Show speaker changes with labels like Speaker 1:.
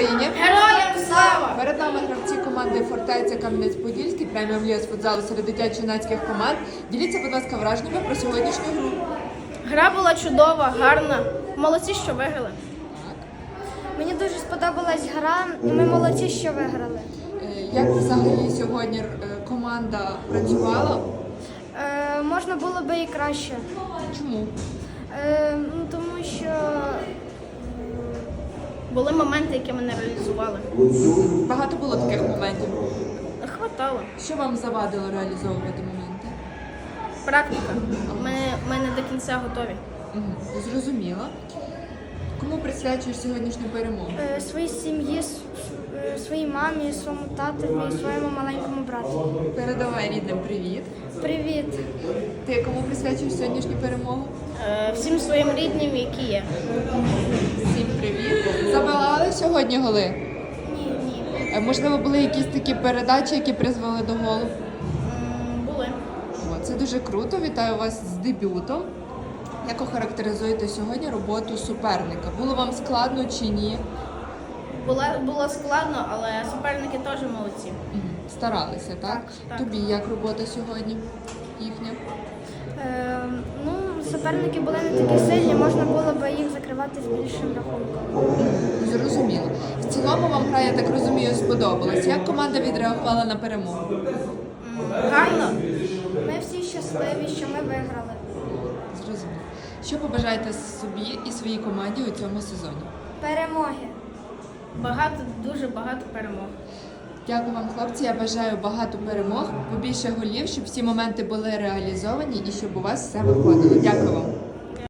Speaker 1: Україні!
Speaker 2: Героям слава!
Speaker 1: Перед нами гравці команди «Фортеця» Кам'янець-Подільський, преміум ліга з футзалу серед дитячо-юнацьких команд. Діліться, будь ласка, враженнями про сьогоднішню гру.
Speaker 2: Гра була чудова, гарна. Молодці, що виграли.
Speaker 3: Мені дуже сподобалась гра, і ми молодці, що виграли.
Speaker 1: Як взагалі сьогодні команда працювала?
Speaker 3: Можна було би і краще.
Speaker 1: Чому?
Speaker 3: Тому що
Speaker 2: Були моменти, які ми не реалізували.
Speaker 1: Багато було таких моментів.
Speaker 2: Хватало.
Speaker 1: Що вам завадило реалізовувати моменти?
Speaker 2: Практика. Ми не до кінця готові.
Speaker 1: Зрозуміло. Кому присвячуєш сьогоднішню перемогу?
Speaker 3: своїй сім'ї, своїй мамі, своєму татові і своєму маленькому брату.
Speaker 1: Передавай рідним привіт.
Speaker 3: Привіт!
Speaker 1: Ти кому присвячуєш сьогоднішню перемогу?
Speaker 2: Всім своїм рідним, які є.
Speaker 1: Всім привіт. Забивали сьогодні голи?
Speaker 3: Ні.
Speaker 1: Можливо, були якісь такі передачі, які призвели до голу?
Speaker 2: Були.
Speaker 1: Це дуже круто. Вітаю вас з дебютом. Як охарактеризуєте сьогодні роботу суперника? Було вам складно чи ні?
Speaker 2: Було складно, але суперники теж молодці.
Speaker 1: Старалися, так?
Speaker 2: Так.
Speaker 1: Тобі як робота сьогодні їхня?
Speaker 3: Суперники були не такі сильні, можна було б їх закривати з більшим рахунком.
Speaker 1: Зрозуміло. В цілому вам гра, я так розумію, сподобалась. Як команда відреагувала на перемогу?
Speaker 2: Гарно.
Speaker 3: Ми всі щасливі, що ми виграли.
Speaker 1: Зрозуміло. Що побажаєте собі і своїй команді у цьому сезоні?
Speaker 3: Перемоги!
Speaker 2: Дуже багато перемог.
Speaker 1: Дякую вам, хлопці. Я бажаю багато перемог, побільше голів, щоб всі моменти були реалізовані і щоб у вас все виходило. Дякую вам.